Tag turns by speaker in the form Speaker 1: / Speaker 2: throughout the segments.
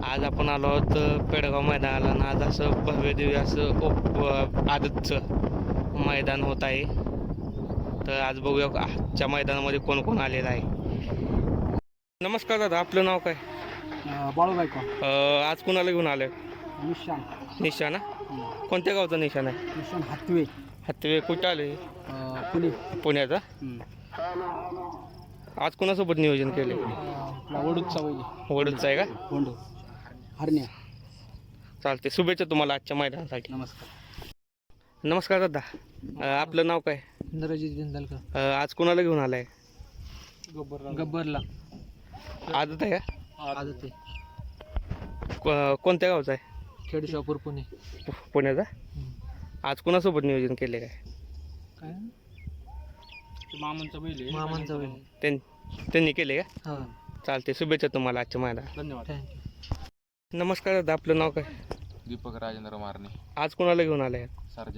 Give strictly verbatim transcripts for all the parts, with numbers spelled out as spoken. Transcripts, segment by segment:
Speaker 1: आज आपण आलो आहोत पेडगाव मैदानाला आणि आज असं भव्य दिव्य असं ओप आदतचं मैदान होत आहे. तर आज बघूया आजच्या मैदानामध्ये कोण कोण आलेलं आहे. नमस्कार दादा, आपलं नाव काय?
Speaker 2: बाळू गायकवाड.
Speaker 1: आज कुणाला घेऊन आलं?
Speaker 2: निशान.
Speaker 1: निशाणा? कोणत्या गावचा निशाण आहे?
Speaker 2: निशान हातवे.
Speaker 1: हातवे कुठं आले?
Speaker 2: पुणे.
Speaker 1: पुण्याचा? आज कोणासोबत नियोजन केले?
Speaker 2: वडूचा वैद्य.
Speaker 1: वडूचा आहे का?
Speaker 2: होंडो हरण्या.
Speaker 1: चालते, शुभेच्छा तुम्हाला आजच्या मैदानासाठी.
Speaker 2: नमस्कार.
Speaker 1: नमस्कार दादा, आपलं नाव काय?
Speaker 2: इंद्रजित जिंदालकर.
Speaker 1: आज कोणाला घेऊन आलाय?
Speaker 2: गब्बरला. गब्बरला
Speaker 1: आदत आहे का?
Speaker 2: आदत आहे.
Speaker 1: को- कोणत्या गावचा आहे?
Speaker 2: खेड शॉपूर पुणे.
Speaker 1: पु- पुण्याचा? आज कोणासोबत नियोजन केले काय?
Speaker 2: काय मामांचा बैल. मामांचा बैल.
Speaker 1: त्यां त्यांनी केले का?
Speaker 2: हां.
Speaker 1: चालते, शुभेच्छा तुम्हाला आजच्या मैदानात.
Speaker 2: धन्यवाद. थँक्यू.
Speaker 1: नमस्कार दादा, आपलं नाव काय?
Speaker 3: दीपक राजेंद्र मारणे.
Speaker 1: आज कोणाला घेऊन आलाय?
Speaker 3: सरजा.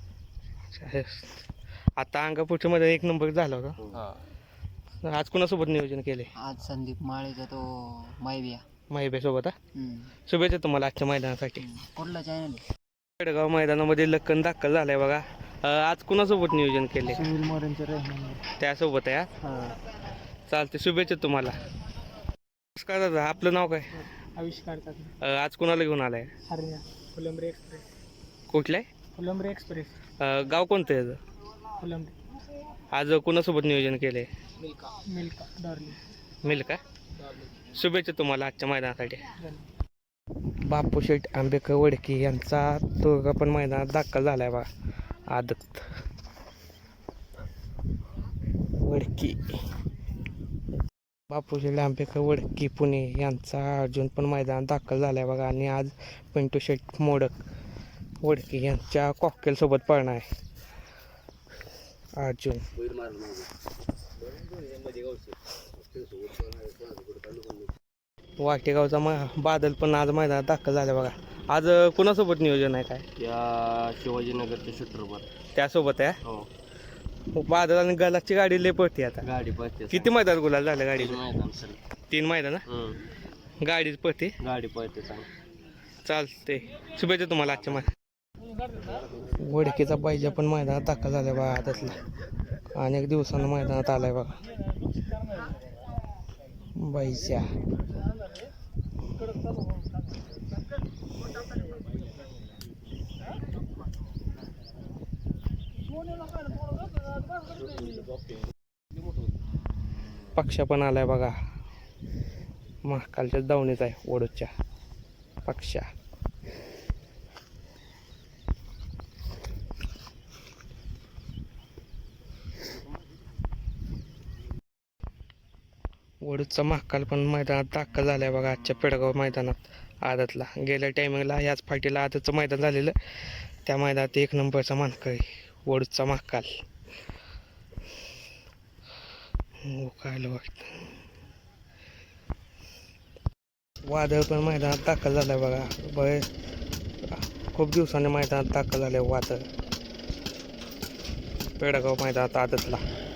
Speaker 1: आता अंगापूरच्या मध्ये एक नंबर झाला होता.
Speaker 3: हा.
Speaker 1: आज कोणासोबत नियोजन केले?
Speaker 2: आज संदीप माळेचा तो मायबिया.
Speaker 1: माहिबेसोबत. शुभेच्छा तुम्हाला आजच्या मैदानासाठी.
Speaker 2: कुठला चॅनल?
Speaker 1: पेडगाव मैदानामध्ये लक्कन दाखल झालाय बघा. आज कोणासोबत नियोजन केले?
Speaker 2: सुनील मोरेंचे रहमान.
Speaker 1: त्यासोबत आहे.
Speaker 2: हां.
Speaker 1: चालते, शुभेच्छा तुम्हाला. नमस्कार दादा, आपलं नाव काय?
Speaker 2: आविष्कार करतात.
Speaker 1: आज कोणाला घेऊन आलाय?
Speaker 2: हरण्या. फुलंब्री एक्सप्रेस.
Speaker 1: कुठलं आहे?
Speaker 2: फुलंब्री एक्सप्रेस.
Speaker 1: गाव कोणतं आहे याचं?
Speaker 2: फुलंब्री.
Speaker 1: आज कोणासोबत नियोजन केले?
Speaker 2: मिल्का. मिल्का डॉर्ली.
Speaker 1: मिल्का?
Speaker 2: डॉर्ली.
Speaker 1: शुभेच्छा तुम्हाला आजच्या मैदानासाठी. बापू शेठ आंबेकर वडकी यांचा तो पण मैदानात दाखल झालाय बघा. आदत वडकी. बापू शेठ आंबेकर वडकी पुणे यांचा अर्जुन पण मैदानात दाखल झालाय बघा. आणि आज पिंटू शेठ मोडक वडकी यांच्या कॉकटेल सोबत पळणार आहे अर्जुन. वाटेगावचा मा बादल पण आज मैदानात दाखल झाला बघा. आज कुणासोबत नियोजन आहे काय?
Speaker 3: या शिवाजीनगरच्या शूटरवर.
Speaker 1: त्यासोबत आहे.
Speaker 3: हो.
Speaker 1: बादल आणि गलाची गाडी लय पडते आता.
Speaker 3: गाडी पळते.
Speaker 1: किती मैदान गुलाल झालं गाडी?
Speaker 3: मैदान सर.
Speaker 1: तीन मैदान गाडीच पडते.
Speaker 3: गाडी पळते सांग.
Speaker 1: चालते, शुभेच्छा तुम्हाला आजच्या मैदान. वडकीचा पाहिजे पण मैदानात दाखल झालाय बघा आदतला. अनेक दिवसानं मैदानात आलाय बघा बाईच्या. पक्षा पण आलाय बघा. महाकालच्या दावणीच आहे वडूच्या पक्षा. वडूचा महाकाल पण मैदानात दाखल झालाय बघा आजच्या पेडगाव मैदानात आदतला. गेल्या टायमिंगला याच फाटीला आदतचं मैदान झालेलं, त्या मैदानात एक नंबरचा मानकरी वडूचा महाकाल. हो काय वाटतं. वादळ पण मैदानात दाखल झालाय बघा. बरे खूप दिवसांनी मैदानात दाखल झालंय वादळ पेडगाव मैदानात आदतला.